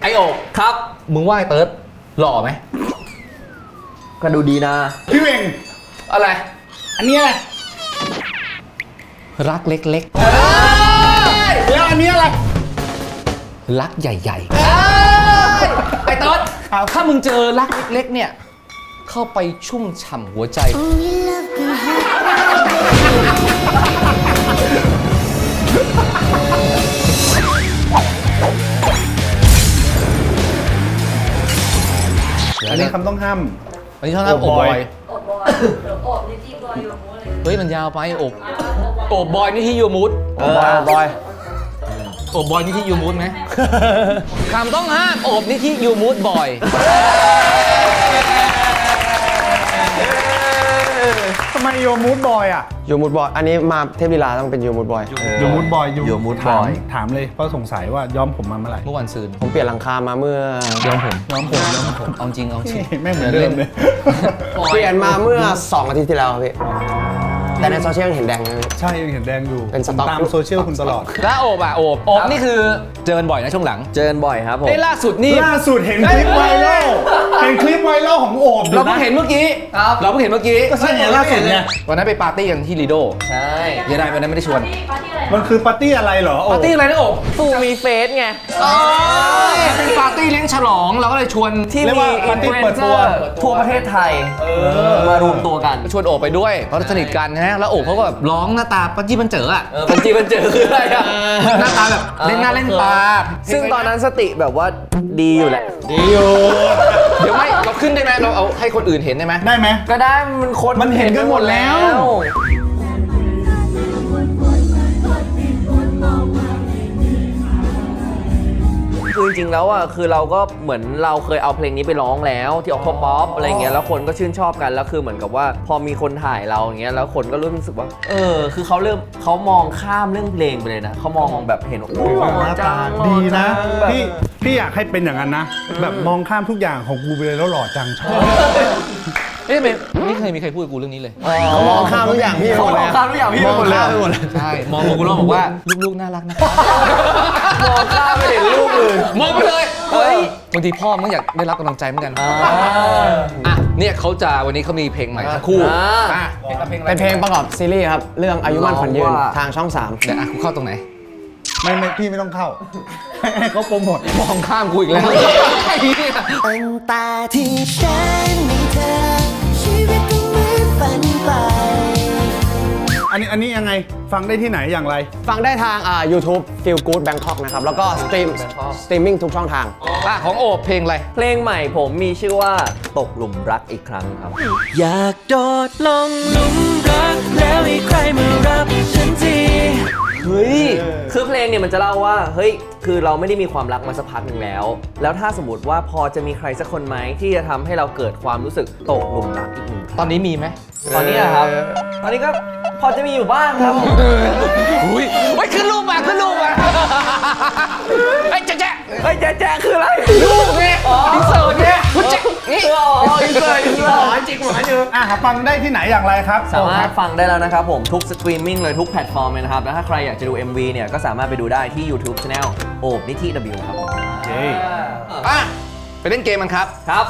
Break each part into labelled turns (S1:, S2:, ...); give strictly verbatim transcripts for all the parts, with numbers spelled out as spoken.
S1: ไอโอกครับมึงว่าไอเติร์ดหล่อไหม
S2: ก็ดูดีนะ
S3: พี่เวง
S1: อะไร
S3: อันนี้อะไร
S1: รักเล็กๆ
S3: แล้วอันนี้อะไร
S1: รักใหญ่ๆไอเติร์ดถ้ามึงเจอรักเล็กๆเนี่ยเข้าไปชุ่มฉ่ำหัวใจ
S3: อันนี้คำต้องห้าม
S1: อันนี้ชอบนะโอบบอย
S4: โอบบอยโอบนิติบอยโยมูเลย
S1: เฮ้ยมันยาวไปโอบโอบบอยนี่ที่ยูมูด
S2: โอบบอย
S1: โอบบอยนี่ที่ยูมูดไหมคำต้องห้ามโอบนี่ที่ยูมูดบอย
S3: ทำไมโยมูดบอยอ่ะ
S2: โยมูดบอยอันนี้มาเทพลีลาต้องเป็นโยมูดบอย
S3: โยมูดบอย
S2: โยมูดบอย
S3: ถามเลยเพราะสงสัยว่าย้อมผมมาเมื่อไหร่
S1: เมื่อวันซืน
S2: ผมเปลี่ยนหลังคามาเมื่อ
S1: ย้อมผม
S3: ย้อมผมย้อมผม
S1: เอาจริงเอาจริง
S3: แม่เหมือนเดิมเลย
S2: เปลี่ยนมาเมื่อสองอาทิตย์ที่แล้วครับพี่แต่ในโซเชียลเห็นแดงนะ
S3: ใช่ยังเห็นแดงอยู่
S2: เป็นสต็อก
S3: ตามโซเชียลคุณตลอด
S1: แล้วโอบอ่ะโอบโอบนี่คือเจอกันบ่อยนะช่วงหลัง
S2: เจอกันบ่อยครับผม
S1: ไอ้ล่าสุดนี่
S3: ล่าสุดเห็นคลิปไวรัลเห็นคลิปไวรัลของโอบ
S1: เราเพิ่งเห็นเมื่อกี้เราเพิ่งเห็นเมื่อกี้
S3: ก็ใช่ไงล่าสุดเนี่ย
S1: วันนั้นไปปาร์ตี้กันที่ลีโด
S2: ใช่
S1: ยังไงวันนั้นไม่ได้ชวน
S3: มันคือปาร์ตี้อะไรเหรอ
S1: ปาร์ตี้อะไรนะโอบ
S2: ฟูมีเฟสไง
S1: เป็นปาร์ตี้เลี้ยงฉลองเราก็เลยชวน
S2: ที่มีอินฟลูเอนเซอร์ทั่วประเทศไทยมารวมตัวกัน
S1: ชวนโอบไปด้วยเพราะสนิทกันนะแล้วโอบเขาก็แบบร้องหน้าตาปัจจิบันเจออ่ะ
S2: ปัจจิบันเจอคืออะไรอ่ะ
S1: หน้าตาแบบเล่นหน้าเล่นตา
S2: ซึ่งตอนนั้นสติแบบว่าดีอยู่แหละ
S1: ดีอยู่เดี๋ยวไม่เราขึ้นได้ไหมเราเอาให้คนอื่นเห็นได้ไหม
S3: ได้ไหม
S2: ก็ได้มันคน
S3: มันเห็นกันหมดแล้ว
S2: คือจริงๆแล้วอ่ะคือเราก็เหมือนเราเคยเอาเพลงนี้ไปร้องแล้วที่ออกป๊อปอะไรเงี้ยแล้วคนก็ชื่นชอบกันแล้วคือเหมือนกับว่าพอมีคนถ่ายเราอย่างเงี้ยแล้วคนก็รู้สึกว่าเออคือเขาเริ่มเขามองข้ามเรื่องเพลงไปเลยนะเขามองแบบเห็นว่าหล่อจัง
S3: ดีนะพี่พี่อยากให้เป็นอย่างนั้นนะแบบมองข้ามทุกอย่างของกูไปเลยแล้วหล่อจังชอบ
S1: เอ๊ะไม่เคยมีใครพูดกับกูเรื่องนี้เลย
S2: เขามองข้ามทุกอย่างพี่
S1: มองข้ามทุกอย่างพี่หมดเลยใช่มองกูแล้วบอกว่าลูกๆน่ารักนะ
S2: มองข้ามไม่เห็นลูกเลย
S1: มองไปเลยเฮ้ยบางทีพ่อมันอยากได้รับกำลังใจเหมือนกันอ่ะเนี่ยเขาจะวันนี้เขามีเพลงใหม่ทั้งคู่
S2: เป็นเพลงประกอบซีรีส์ครับเรื่องอายุมั่นขวัญยืนทางช่องสาม
S1: เดี๋ยวอ่ะกูเข้าตรงไหน
S3: ไม่ไม่พี่ไม่ต้องเข้าให้เขาโปรโมท
S1: มองข้ามกูอีกแล้ว
S5: ตั้งแต่ที่ฉันมีเธอชีวิตก็เหมือนฝันไป
S3: อันนี้อันนี้ยังไงฟังได้ที่ไหนอย่างไร
S2: ฟังได้ทางอ่า YouTube Feel Good Bangkok นะครับแล้วก็สตรีมสตรีมมิ่งทุกช่องทาง
S1: อ่ะของโอบเพลงอะไร
S2: เพลงใหม่ผมมีชื่อว่าตกหลุมรักอีกครั้งครับ
S5: อยากโดดลงหลุมรักแล้วให้ใครมารับฉันที
S2: เฮ้ยคือเพลงเนี่ยมันจะเล่าว่าเฮ้ยคือเราไม่ได้มีความรักมาสักพักหนึ่งแล้วแล้วถ้าสมมติว่าพอจะมีใครสักคนไหมที่จะทำให้เราเกิดความรู้สึกตกหลุมรักอีกหนึ่ง
S1: ตอนนี้มีไหม
S2: ตอนนี้อะครับตอนนี้ก็พอจะมีอยู่บ้างครับ
S1: อุ้ยไอ้ขึ้นรูปมาขึ้นรูปมาไอ้แจ๊ะแจ๊ะ
S2: ไอ้แจ๊ะแจ๊ะคืออะไร
S1: รูปเนี่ยอินเสิร์ตเนี่ยคุณแจ๊ะนี่
S2: อ๋ออินเสิร์ตอินเสิร์ต
S3: จริงหวานอยู่อ่ะฟังได้ที่ไหนอย่างไรครับ
S2: สามารถฟังได้แล้วนะครับผมทุกสตรีมมิ่งเลยทุกแพลตฟอร์มเลยนะครับแล้วถ้าใครอยากจะดู เอ็ม วี เนี่ยก็สามารถไปดูได้ที่ YouTube Channel โอบนิธิ W ครับ
S3: โอเค
S1: อ่ะไปเล่นเกมมันครับ
S2: ครับ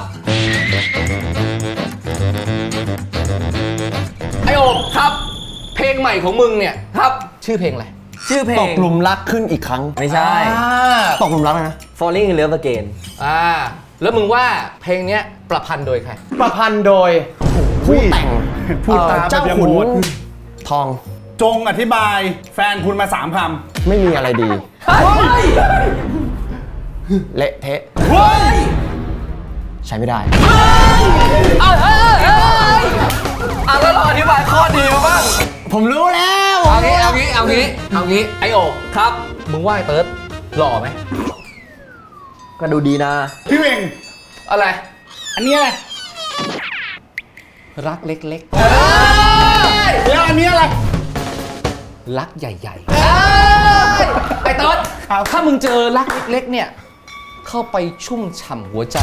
S1: ไอโอบครับเพลงใหม่ของมึงเนี่ยครับชื่อเพลงอะไร
S2: ชื่อเพลง
S3: ตกหลุมรักขึ้นอีกครั้ง
S2: ไม่ใช่
S3: ตกหลุมรักนะ
S2: Falling in Love Again
S1: อ่าแล้วมึงว่าเพลงเนี้ยประพันธ์โดยใคร
S2: ประพันธ์โดยผู้แต่ง
S3: พูดตาม
S2: เจ้าขุนทอง
S3: จงอธิบายแฟนคุณมาสามค
S2: ำไม่มีอะไรดีเละเทะใช้ไม่ได้
S1: เอาเฮ้ยเฮ้ย
S2: อ่ะแล้วเราอธิบายข้อดีมาบ้างผมรู้แล้ว
S1: เอางี้เอางี้เอางี้เอางี้ไอโอกครับมึงว่าไอเติร์ดหล่อไหม
S2: ก็ดูดีนะ
S3: พี่เวง
S1: อะไร
S3: อันนี้อะไร
S1: รักเล็กๆ
S3: แล้วอันนี้อะไร
S1: รักใหญ่ๆไอเติร์ดถ้ามึงเจอรักเล็กๆเนี่ยเข้าไปชุ่มฉ่ำหัวใจ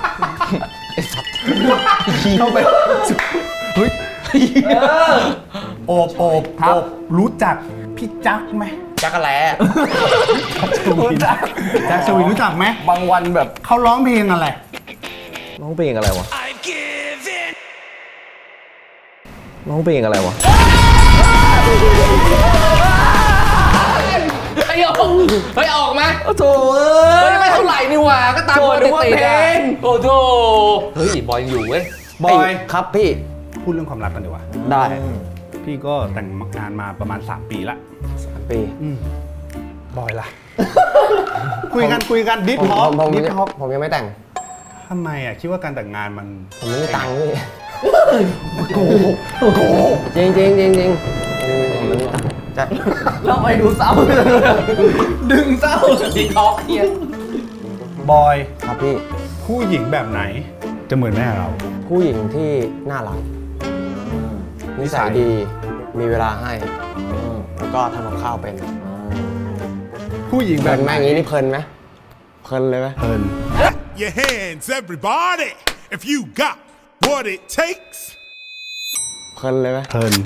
S3: เข้าไปเฮ้ยโอบโอบโอบรู้จักพี่จักไหม
S1: จักรแล้
S3: ชวินจักชวินรู้จักไหม
S2: บางวันแบบ
S3: เขาร้องเพลงอะไร
S2: ร้องเพลงอะไรวะร้องเพลงอะไรวะ
S1: ไอ้ออกเฮ้ยออกมา
S2: โอ้โถ
S1: เฮ้ยไม่เท่าไหร่นี่หว่าก็ตาม
S2: โถ
S1: ปก
S2: นึ
S1: ติ
S2: กว่า
S1: ๆ
S2: เพล
S1: อะ
S2: ง
S1: โอ้โถเฮ้ยบอยยังอยู่เว้ย
S3: บอย
S2: ครับพี่
S3: พูดเรื่องความรักกันดีกว่า
S2: ได้
S3: พี่ก็แต่งงานมาประมาณ สาม ปีละ
S2: สามปี
S3: บอยล่ะ คุยกันคุยกันดิฟ
S6: ผม
S3: ฮอ
S6: ผ
S3: ป
S6: มผม
S3: ดิฟฮอป
S6: ผมยังไม่แต่ง
S3: ทำไมอ่ะคิดว่าการแต่งงานมัน
S6: ผมไม่มีตังค์พี่
S3: โกหกโกหก
S6: จริงจริงจริงจริงผมไม่มีตังค์จะ
S2: เราไปดูเศร้าดึงเศร้า
S1: ดีท็อกเฮีย
S3: บอย
S6: ครับพี่
S3: ผู้หญิงแบบไหน จะเหมือนแม่เรา
S6: ผู้หญิงที่น่ารักนิสัยดี มีเวลาให้แล้วก็ทำกับข้าวเป็น
S3: ผู้หญิง
S6: เพ
S3: แบ
S6: ลิ
S3: บ
S6: น
S3: ไห
S6: ไห
S3: น
S6: มอย่างนี้นี่เพลินไหมเพลินเลยไหม
S3: เพลิน
S7: Your hands, everybody, if you got what it takes.
S6: เพลินเลยไหม
S3: เพลิน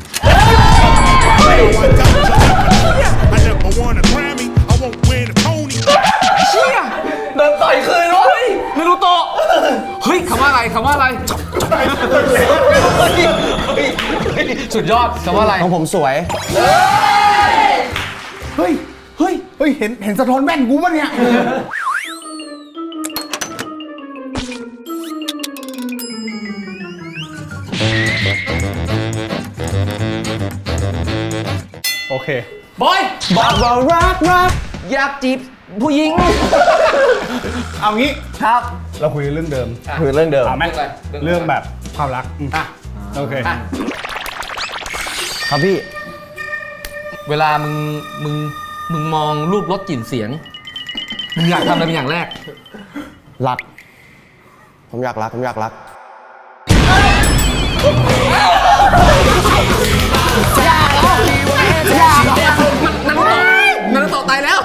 S7: I never won a Grammy, I won't win a Tony.
S2: เดินต่อยคืนวะ
S1: ไม่รู้โตะเฮ้ยคำว่าอะไรคำว่าอะไร สุดยอดคำว่าอะไร
S6: ของผมสวย
S3: เฮ้ย เฮ้ย เฮ้ย เห็น เห็นสะท้อนแว่นกูปะเนี่ย โอเค
S1: บอย
S2: บอกว่ารักรักอยากจีบผู้หญิง
S3: เอางี้
S2: ครับ
S3: เราคุยเรื่องเดิม
S2: คือเรื่องเดิม
S3: เอาไหม
S1: เรื่องอะไรเรื่องอะไร
S3: เรื่องแบบความรักอืม
S1: อ่ะ
S3: โอเค
S1: อ่ะ
S6: ครับพี่
S1: เวลามึงมึงมึงมองรูปรถกลิ่นเสียงมึงอยากทำอะไรเป็นอย่างแรก
S6: รัก ผมอยากรัก ผมอยากรัก
S1: นันโตะตายแล้ว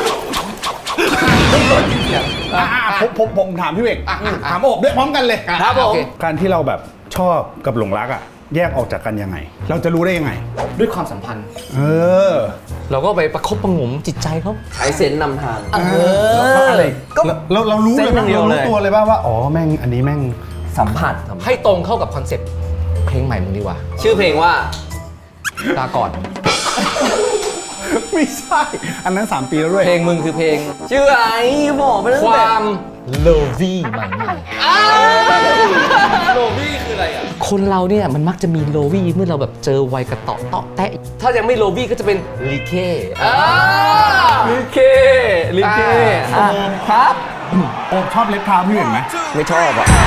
S3: อ่ะอ่ะผมผมผมถามพี่เอก
S1: อ่ะอ่ะ
S3: ถามโอบด้วยพร้อมกันเลย
S1: ครับผม
S3: การที่เราแบบชอบกับหลงรักอ่ะ แยกออกจากกันยังไง เราจะรู้ได้ยังไง
S1: ด้วยความสัมพันธ์
S3: เออ
S1: เราก็ไปประคบประหงมจิตใจเขา
S2: ใช้เซนส์นำทาง
S3: เอออะไรเราเรารู้เลย
S2: เส้น
S3: มั้ย
S2: เดียว
S3: เรา
S2: เลย
S3: รู้ตัวเลยป่ะว่า อ๋อ แม่ง อันนี้แม่ง
S2: สัมผัสสัมผัส
S1: ให้ตรงเข้ากับคอนเซ็ปต์เพลงใหม่มึงดีกว่า
S2: ชื่อเพลงว่า
S1: ลาก่อน
S3: ไม่ใช่ อันนั้น สาม ปีแล้วด้วย
S1: เพลงมึงคือเพลง
S2: ชื่ออะไรบอกไปตั้ง
S1: ค
S2: แต่
S1: วามโลวี่ใหม่ใหม่
S2: โลบี้คืออะไรอ่ะ
S1: คนเราเนี่ยมันมักจะมีโลวี่เมื่อเราแบบเจอวัยกระเตาะเตาะแตะถ้ายังไม่โลวี่ก็จะเป็นลีเค
S2: ลิเคลิเค
S1: อ่า
S2: ครับ
S3: โอบชอบเล็บเท้าพี่เอกไหม
S6: ไม่ชอบอ่ะ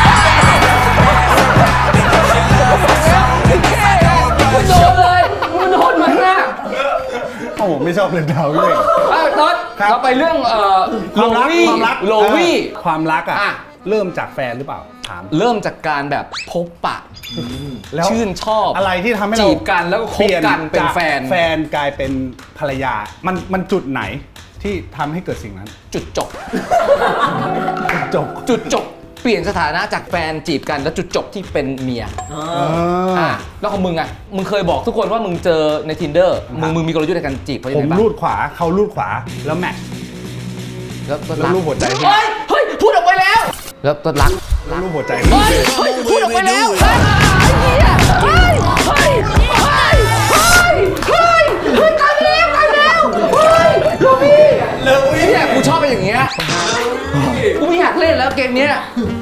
S1: มันโดนเลยมันโดนมันมาก
S3: โอ้ไม่ชอบเล็บเท้าพี่เอก
S1: อ่ะน็อต
S3: ครับ
S1: เราไปเรื่องเอ่อ
S3: ค
S1: โล
S3: วามรัก
S1: วี่
S3: ความรัก
S1: โลวี่
S3: เออความรักอ่ะ
S1: อ่ะ
S3: เริ่มจากแฟนหรือเปล่า ถาม
S1: เริ่มจากการแบบพบปะ
S3: แล้ว
S1: ชื่นชอบ
S3: อะไรที่ทำให้เรา
S1: จีบกันแล้วก็คบกันเป็น
S3: จาก
S1: แฟน
S3: แฟนกลายเป็นภรรยา มันมันจุดไหนที่ทำให้เกิดสิ่งนั้น
S1: จุดจบ
S3: จบ
S1: จุดจบ เปลี่ยนสถานะจากแฟนจีบกันแล้วจุดจบที่เป็นเมีย
S3: เอ
S1: อ่ะ
S3: อ
S1: แล้วของมึงอ่ะ มึงเคยบอกทุกคนว่ามึงเจอใน tinder มึงมึงมีกลยุทธ์ในการจีบเขายัง
S3: ผม
S1: ไงบ้าง
S3: รูดขวาเขารูดขวาแล้วแมทช์
S1: แล้วก็
S3: แล้วรูปหัวใจพี่
S1: เฮ้ย เฮ้ย พูดออกไปแล้ว แล้วก็รัก
S3: แล้วรูปหัวใจ
S1: เฮ้ย เฮ้ย พูดออกไปแล้วเฮ้ยเฮ้ยเฮ้ยเฮ้ยเฮ้ยเฮ้ยเฮ้ยตายแล้วตายแล้วเฮ้ยโรบี้โรบี้เนี่ยกูชอบเป็นอย่างเงี้ยกูไม่อยากเล่นแล้วเกมเนี้ย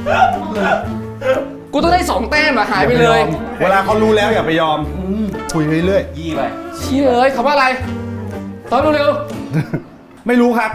S1: กูต้องได้สองแต้มอะหายไปเลย
S3: เวลาเขารู้แล้วอย่าไปยอมคุยเรื่อย
S1: ยี่ไปเชี่ยเอ้ยคำว่าอะไรตอนเร็ว
S3: ๆ ไม่รู้ครับ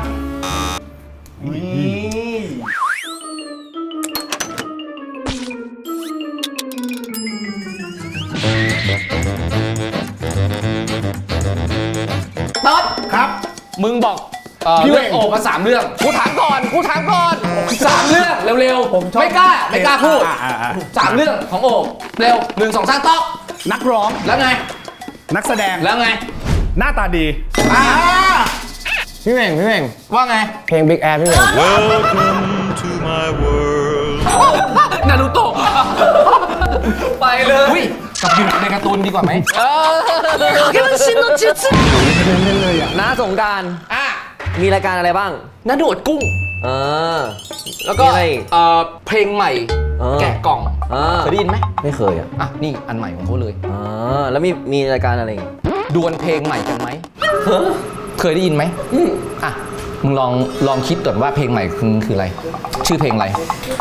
S1: ๆต๊อด
S3: ครับ
S1: มึงบอกเอ่อ
S3: พี่
S1: เรื่อง
S3: เวง
S1: โอบมาสามเรื่องกูถามก่อนกูถามก่อนสามเรื่องเร็ว
S3: ผมชอบ
S1: ๆไม่กล้าไม่กล้าพูด
S3: อ่ะอ่ะอ่ะ
S1: สามเรื่องของโอบเร็วหนึ่งสองสามต๊อก
S3: นักร้อง
S1: แล้วไง
S3: นักแสดง
S1: แล้วไง
S3: หน้าตาดี
S1: อ่า
S6: พี่เม่งพี่เม่ง
S1: ว่าไง
S6: เพลง Big Air พี่เม่ง
S7: Welcome to my world.
S1: นารูโตะ
S2: ไปเลย
S1: อุ้ยกับอยู่ในการ์ตูนดีกว่าไหม
S2: เออ
S3: เล่นเลยอ่ะ
S2: น้าสงกราร
S1: อ่ะ
S2: มีรายการอะไรบ้าง
S1: น้าโดดกุ้ง
S2: เออ
S1: แล้วก็
S2: มีอะไรอีก
S1: เอ่อเพลงใหม่
S2: เออ
S1: แกะกล่อง
S2: เออ
S1: เคยได้ยินไหม
S2: ไม่เคยอ่ะ
S1: อ่ะนี่อันใหม่ของเขาเลย
S2: อ่าแล้วมีมีรายการอะไรอีก
S1: ดวลเพลงใหม่กันไหม เคยได้ยินไหมอ่ะมึงลองลองคิดก่อนว่าเพลงใหม่คือคืออะไร ชื่อเพลงอะไร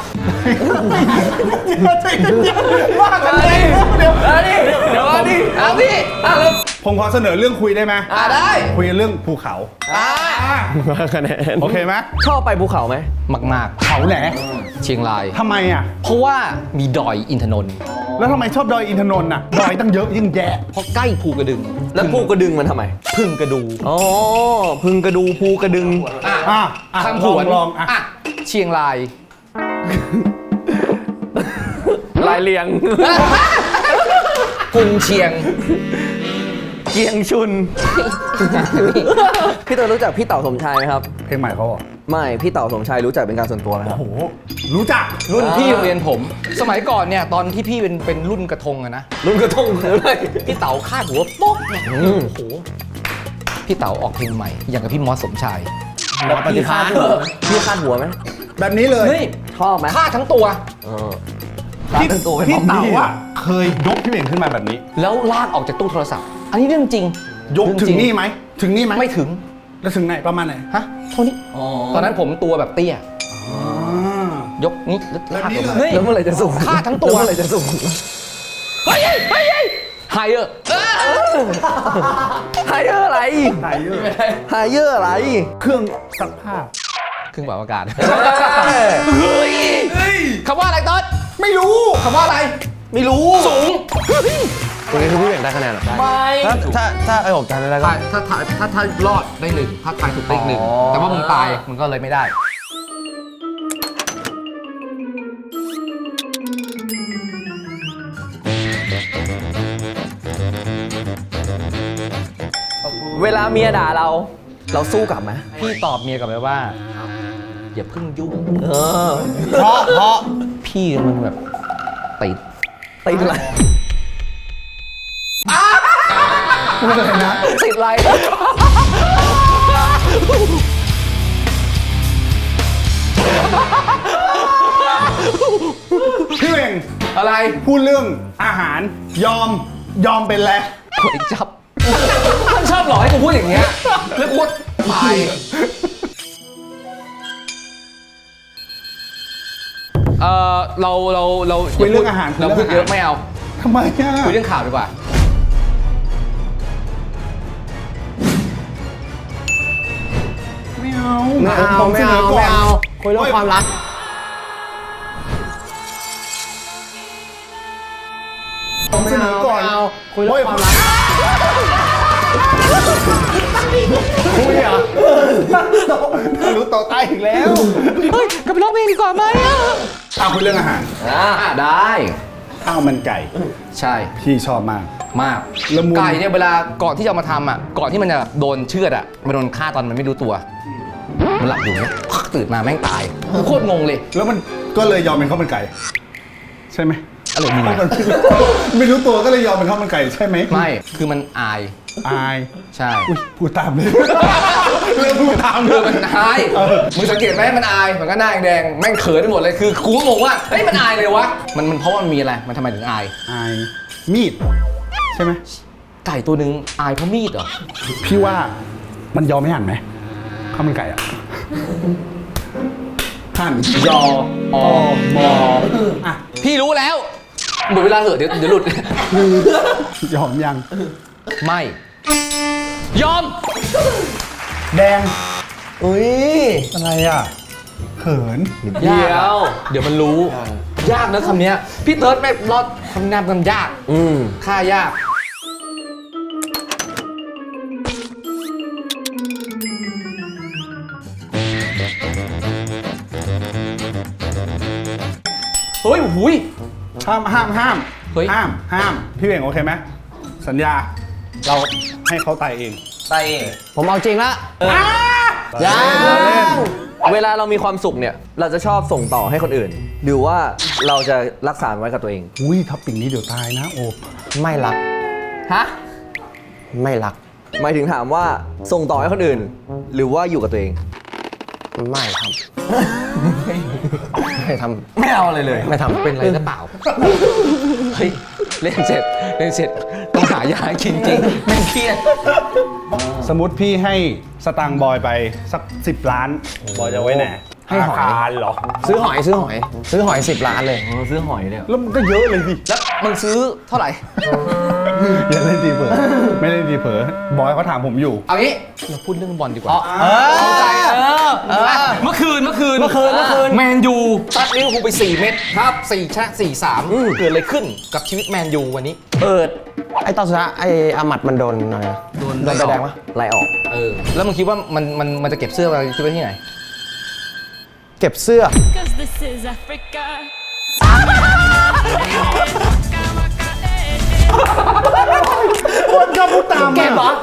S3: ว่ากันเลยเดี๋ยว
S2: เอาดิเดี๋ยวเอาดิเอาดิอ่ะแล้ว
S3: ผมขอเสนอเรื่องคุยได้ไหม
S1: อ่ะได้
S3: คุยเรื่องภูเขา
S1: อ่ะ
S2: คะแนน
S3: โอเคไหม
S2: ชอบไปภูเขาไหม
S1: มาก
S3: เขาไหน
S1: ๆ เชียงราย
S3: ทำไมอ่ะ
S1: เพราะว่ามีดอยอินทนนท์
S3: แล้วทำไมชอบดอยอินทนนท์อ่ะ ดอยตั้งเยอะยิ่งแย่
S1: เพราะใกล้ภูกระดึง
S2: แล้วภูกระดึงมันทำไม
S1: พึ่งกระดู
S2: อ๋อพึงกระดูภูกระดึง
S1: อ่ะ
S3: อ่ะอ่ะ
S1: คำผ
S3: ลอง
S1: วน
S3: ลองอ่ะ
S1: อ่ะเชียงราย
S2: ลายเลียง
S1: กรุงเชียง
S2: เกียงชุน พี่เต๋อรู้จักพี่เต๋าสมชายไหมครับ
S3: เพลงใหม่เขาเหรอ
S2: ไม่พี่เต๋าสมชายรู้จักเป็นการส่วนตัวไหมครับ
S3: โอ้โห รู้จัก
S1: รุ่น
S2: อ่า
S1: พี่โรงเรียนผม สมัยก่อนเนี่ยตอนที่พี่เป็นเป็นรุ่นกระทงอะนะ
S2: รุ่นกระทงหรืออะไร
S1: พี่เต๋าคาดหัวโป๊กเนี่ยโอ้โหพี่เต๋าออกเพลงใหม่ อย่างกับพี่มอสสมชาย
S2: แล้วพี่คาดหัวไหมพี่คาดหัวไหม
S3: แบบนี้เลย
S1: เฮ้ย
S2: ชอบไหม
S1: คาดทั้งตัว
S2: เออ
S3: พี่
S2: คาดตัวเป็น
S3: พี่
S2: ของ
S3: เต๋า
S2: พี่
S3: อ่ะเคยยกพี่เหม่งขึ้นมาแบบนี้
S1: แล้วลากออกจากตู้โทรศัพท์ อันนี้เรื่องจริง
S3: ยก
S1: เรื่อง
S3: ถึ
S1: จริ
S3: งนี่ไหม ถึงนี่ไหม
S1: ไม่ถึง
S3: แล้วถึงไหนประมาณไหน
S1: ฮะเท่านี้ตอนนั้นผมตัวแบบเตี้ย
S3: อ่าย
S1: กนี้แล้วลากออกมา
S3: แบบนี้เลย
S2: แล้วเมื่อไหร่จะสูง
S1: คาดทั้งตัว
S2: แล้เมื่อไหร่จะสูง
S1: เฮ้ยเฮ้ยไฮเออร์
S2: ไฮเออร์อะไร
S3: ไทยเยอะ
S2: ไฮเออร์อะไร
S3: เครื่องซักผ้า
S1: เครื่องปรับอากาศ
S2: เฮ้ย
S1: คำว่าอะไรต้น
S3: ไม่รู้
S1: คำว่าอะไร
S2: ไม่รู้
S1: สูง
S6: ตรงนี้คือพี่เหม่งได้คะแนนเหรอ
S1: ไม่
S6: ถ้าถ้าถ้าไอ้ผมจำได้ก็
S1: ถ้าถ้าถ้าถ้าถ้ารอดได้หนึ่งถ้าทายถูกได้อีกหนึ่ง
S6: อ๋อ
S1: แต่ว่ามึงตายมึงก็เลยไม่ได้
S2: เวลาเมียด่าเรา เราสู้กลับไหม
S1: พี่ตอบเมียกลับไปว่า อย่าเพิ่งยุ่ง
S2: เออ
S1: เพราะเพราะพี่มันแบบติด
S2: ติดอะไร
S3: พูดอะไรนะ
S2: ติดอะไร
S3: พี่เหม่ง
S1: อะไร
S3: พูดเรื่องอาหาร ยอม ยอมเป็นแล้ว
S1: กดอีกจับท่านชอบหลอกให้กูพูดอย่างเงี้ยแล้วกูตายเออเราเราเรา
S3: คุยเรื่องอาหารคุย
S1: เรา
S3: เรื่อง
S1: พูดเยอะ
S3: อาหาร
S1: ไม่เอา
S3: ทำไมอ่ะ
S1: คุยเรื่องข่าวดีกว่า
S3: ไม่เอา
S6: ไม่เอา
S3: ผม
S6: ไม่
S3: เสน
S6: เอา
S3: อก่อน
S6: ไม่เอาคุยเรื่องความรัก
S3: ผมเสนอก่อน
S6: ไม่เอาคุยเรื่องความรัก
S3: คุยอ่ะทะลุต่อใต้อีกแล้ว
S1: เฮ้ยกลับไปร้องเพลงดีกว่าไหมอ่ะ
S3: อ่ะคุยเรื่องอาหาร
S1: อ่าได้
S3: ข้าวมันไก่
S1: ใช่
S3: พี่ชอบมาก
S1: มาก
S3: ละมุน
S1: ไก่เนี่ยเวลาก่อนที่จะเอามาทำอ่ะก่อนที่มันจะแบบโดนเชือดอ่ะมันโดนฆ่าตอนมันไม่รู้ตัว มันหลับอยู่เนี่ยตื่นมาแม่งตายโคตรงงเลย
S3: แล้วมันก็เลยยอมเป็นข้าวมันไก่ ใช่ไหม
S1: อะไรมึง
S3: เพราะ
S1: อะ
S3: มันไม่รู้ตัวก็เลยยอมเป็นข้าวมันไก่ใช่ไหม
S1: ไม่คือมันอาย
S3: อาย
S1: ใช่
S3: อุ้ยพูดตามเลยเริ่มพูดตามเล
S1: คือย มันอายมึงสังเกตไหมมันอายมันก็หน้าแดงแม่งเขินไปหมดเลยคือกูก็งงว่าเฮ้ยมันอายเลยวะมันมันเพราะว่ามันมีอะไรมันทำไมถึงอาย
S3: อายมีด ใช่ไหม
S1: ไก่ตัวหนึ่งอายเพราะมีดเหรอ
S3: พี่ว่ามันยอมไม่หั่นไหมข้าวมันไก่อ่ะหั่น
S1: ยออมอ
S3: อ่ะ
S1: พี่รู้แล้วหมดเวลาเหอะเดี๋ยวเดี๋ยวหลุด
S3: ยอมยัง
S1: ไม่ ยอม
S3: แดง
S2: อุ้ย
S3: อะไรอ่ะเขิน
S2: เดี๋ยว
S1: เดี๋ยวมันรู้ ยากนะคำเนี้ยพี่เติร์ดไม่รอดคำนามมันยาก
S2: อืม
S1: ค่ายาก เฮ้ยหุย
S3: ห้ามห้ามห้าม
S1: เฮ้ย
S3: ห้ามห้ามพี่เวงโอเคไหมสัญญา เราให้เขาตายเอง
S2: ไตเอง
S6: ผมเอาจริงละ
S3: อ่า
S6: ยัง
S3: เราเล่น
S2: เวลาเรามีความสุขเนี่ยเราจะชอบส่งต่อให้คนอื่น หรือว่าเราจะรักษาไว้กับตัวเอง
S3: อุ้ยท็อปปิ้งนี้เดี๋ยวตายนะโอบ
S6: ไม่รัก
S2: ฮะ
S6: ไม่รัก
S2: หมายถึงถามว่าส่งต่อให้คนอื่น หรือว่าอยู่กับตัวเอง
S6: ไม่ทำ ไม่ท
S2: ไม่เอาอะไรเลย
S6: ำไม่ทำ
S1: เป็นอะไรหรือเปล่า เฮ้ย เล่นเสร็จ เล่นเสร็จ ต้องหายากินจริงแม่งเครียด
S3: สมมติพี่ให้สตางค์บอยไปสักสิบล้าน บอยจะไว้ไหน
S6: ให้หอย
S3: ธนาคารเหรอ
S6: ซื้อหอยซื้อหอย ซื้อหอยสิบล้านเลย
S2: เออซื้อหอยเนี่ย
S3: แล้วมันก็เยอะเลยดิ
S1: แล้วมึงซื้อเท่าไหร่
S3: อย่าเล่นดีเผลอไม่เล่นดีเผลอบอยเขาถามผมอยู่
S1: เอางี้เราพูดเรื่องบอลดีกว่า
S2: เออ
S1: เข้าใจเออเออเมื่อคืน เมื่อคืน
S2: เมื่อคืนเมื่อคืน
S1: แมนยูซัดลิเวอร์พูลไปสี่เม็ดครับสี่ชนะสี่สามเกิดอะไรขึ้นกับชีวิตแมนยูวันนี้
S2: เปิด
S6: ไอ้ตอนสุดท้ายไอ้อามัดมันโดนอะไรนะ
S1: โดน
S6: โดนใบแดงปะ
S2: ไล่ออก
S1: เออ แล้วมึงคิดว่ามันมันมันจะเก็บเสื้อมาที่ไว้ที่ไหน
S6: เก็บเสื้อ
S8: Cause this is Africa.
S3: คนก็พูดตามเก็บเหรอ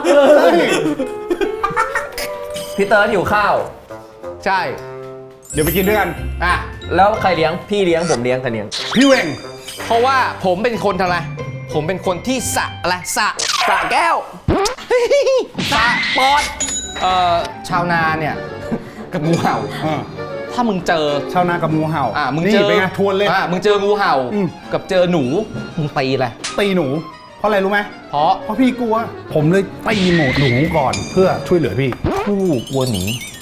S2: พี่เติร์ดหิวข้าว
S1: ใช่
S3: เดี๋ยวไปกินด้วยกัน
S1: อ่ะ
S2: แล้วใครเลี้ยงพี่เลี้ยงผมเลี้ยงใครเลี้ยง
S3: พี่เวง
S1: เพราะว่าผมเป็นคนทำอะไร ผมเป็นคนที่สะอะไรสะ
S2: สระแก้ว
S1: สะปอดเอ่อชาวนาเนี่ย กับงูเห่า
S3: อ่า
S1: ถ้ามึงเจอ
S3: ชาวนากับงูเห่า
S1: อ่ะมึง
S3: นี่
S1: เจอ
S3: เป็นไงทวนเลย
S1: อ่ะมึงเจองูเห่า
S3: อืม
S1: กับเจอหนูมึงตีอะไร
S3: ตีหนู เพราะอะไรรู้ไหม
S1: เพราะ
S3: เพราะพี่กลัว ผมเลยตีหมูหนูก่อนเพื่อช่วยเหลือพี่
S1: ผู้วัวหนี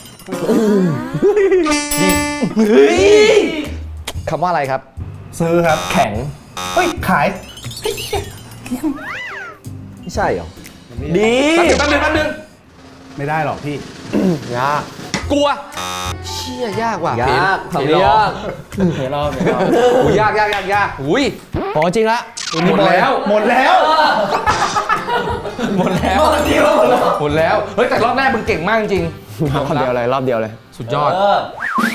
S1: คำว่าอะไรครับ
S3: ซื้อครับ
S2: แข็ง
S3: เฮ้ย ขาย
S2: ไม่ใช่เหรอ ดี
S1: แป๊บนึงแป๊บนึงแป๊บนึง
S3: ไม่ได้หรอกพี่
S6: ยาก
S1: กลัว เชี่ยยากว่ะ
S2: ยาก
S1: เห็น
S2: ทำยาก
S6: เดี๋ยวรอบเดี๋ยวรอบ
S1: อุ้ยยากยากยากยากอุ้ย
S6: โหจริงละ
S1: หมดแล้ว
S3: หมดแล้ว
S1: หมดแล้ว หมดแล้ว เฮ้ยแต่รอบแรกมึงเก่งมากจริง
S6: รอบเดียวเลยรอบเดียวเลย
S1: สุดยอด
S2: เออ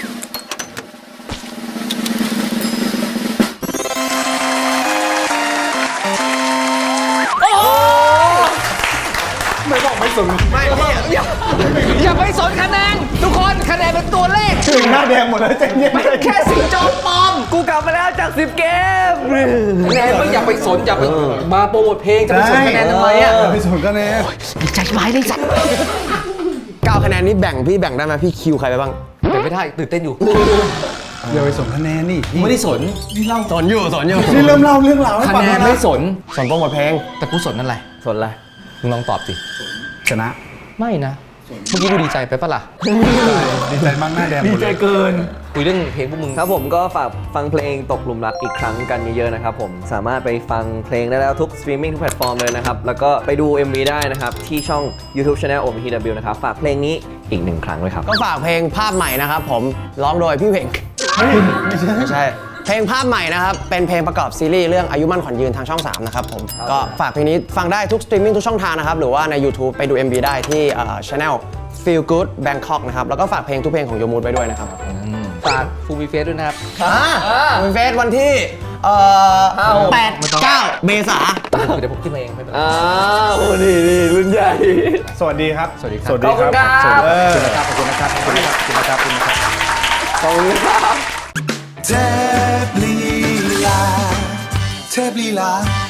S3: ไม่บอกไม่สน
S1: ไม่อย่าอย่าไปสนคะแนน ทุกคนคะแนนเป็นตัวเลข
S3: ถึงหน้าแดงหมดแล้วใจเย็น
S1: แค่สีจอมปลอม
S2: กูกลับมาแล้วจากสิบเกม
S1: คะแนนไม่อย่าไปสนอย่าไปมาโปรโมทเพลงจะไปสนคะแนนทำไมอ่ะ
S3: ไม่สนคะแนน
S1: ใจร้ายเลยจัด
S6: เก้าคะแนนนี้แบ่งพี่แบ่งได้ไหมพี่คิวใครไปบ้าง
S1: เป็นไม่ได้ตื่นเต้นอยู่
S3: อย่าไปสนคะแนนนี่
S1: ไม่ได้สน
S6: สนอยู่สนอยู่
S3: นี่เริ่มเล่าเรื่องราวให้
S1: คะ
S3: ฟัง
S1: แน
S3: แล้
S1: น
S3: ว
S1: ไม่
S3: นะ
S1: สน
S6: สนโปรโมทเพลง
S1: แต่กูสนนั่นอะไร
S2: สนอะไร
S1: มึงลองตอบสิ
S3: ชนะ
S1: ไม่นะ เมื่อกี้กูดีใจไปปะล่ะ
S3: ดีใจมากหน้าแดงหมดเลย
S1: คุยเรื่องเพลงพวกมึง
S2: ครับผมก็ฝากฟังเพลงตกหลุมรักอีกครั้งกันเยอะๆนะครับผมสามารถไปฟังเพลงได้แล้วทุกสตรีมมิ่งทุกแพลตฟอร์มเลยนะครับ แล้วก็ไปดู เอ็ม วี ได้นะครับ ที่ช่อง YouTube Channel โอ พี ที ดับเบิลยู นะครับ ฝากเพลงนี้อีกหนึ่งครั้งด้วยครับ
S6: ก็ฝากเพลงภาพใหม่นะครับผมร้องโดยพี่เพ่งไม่ใช่ เพลงภาพใหม่นะครับ เป็นเพลงประกอบซีรีส์เรื่องอายุมั่นขวัญยืนทางช่องสามนะครับผมก็ฝากเพลงนี้ฟังได้ทุกสตรีมมิ่งทุกช่องทางนะครับ หรือว่าใน YouTube ไปดู เอ็ม วี ได้ที่เอ่อ Channel Feel Good Bangkok นะครับ แล้วก็ฝากเพลงทุกเพลงของโยมูดไว้ด้วยนะครับ
S1: ฝากฟูมิเฟสด้วยนะครับ
S6: เป็นเฟสวันที่เอ่อแปดเก้าเมษา
S1: เดี๋ยวผมขึ้นมาเองไม่เป็นไร
S2: อ้าวนี่นี่รุ่นใหญ่
S3: สวัสดีครับ
S1: สวัสดีครับ
S3: สวัสดีครับ
S2: ขอบคุณครับ
S3: เออ
S1: ขอบคุณนะครับขอบคุณนะครับขอบคุณนะครับขอบคุณนะครับ
S2: ขอบคุณครับ
S5: เทพลีลาเทพลีลา